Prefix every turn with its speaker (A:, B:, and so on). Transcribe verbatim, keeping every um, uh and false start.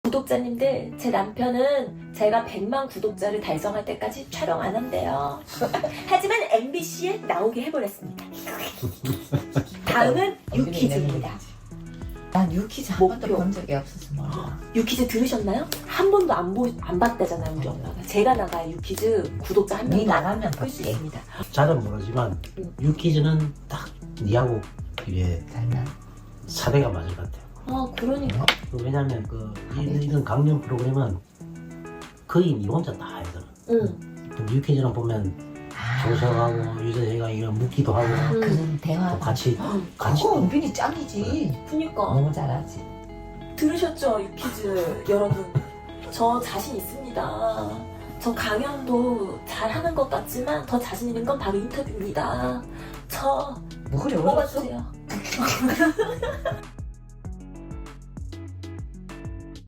A: 구독자님들, 제 남편은 제가 백만 구독자를 달성할 때까지 촬영 안 한대요. 하지만 엠비씨에 나오게 해버렸습니다. 다음은 유퀴즈입니다.
B: 난 유퀴즈 한 번도
A: 목표.
B: 본 적이 없어서 몰라.
A: 유퀴즈 들으셨나요? 한 번도 안, 보, 안 봤다잖아요, 우리 엄마가. 제가 나가 유퀴즈 구독자 한
B: 니
A: 명도
B: 나가면
A: 끌수
B: 볼게.
A: 있습니다.
C: 잘은 모르지만
A: 음.
C: 유퀴즈는 딱 니하고 이게
B: 잘나.
C: 사대가 맞을 것 같아요.
A: 아, 그러니까.
C: 왜냐면 그 이- 이런 강연 프로그램은 거의 니 혼자 다 하거든.
A: 응.
C: 근데 유퀴즈는 보면
B: 아,
C: 조석하고 유재석이가 이거 묻기도 하고
B: 아, 그런 대화.
C: 또 같이
A: 응.
C: 같이
B: 그거 은빈이 짱이지.
A: 그니까.
B: 너무 잘하지.
A: 들으셨죠, 유퀴즈 여러분? 저 자신 있습니다. 저 강연도 잘하는 것 같지만 더 자신 있는 건 바로 인터뷰입니다. 저
B: 뭐 그래 어려웠어?
A: 뽑아주세요.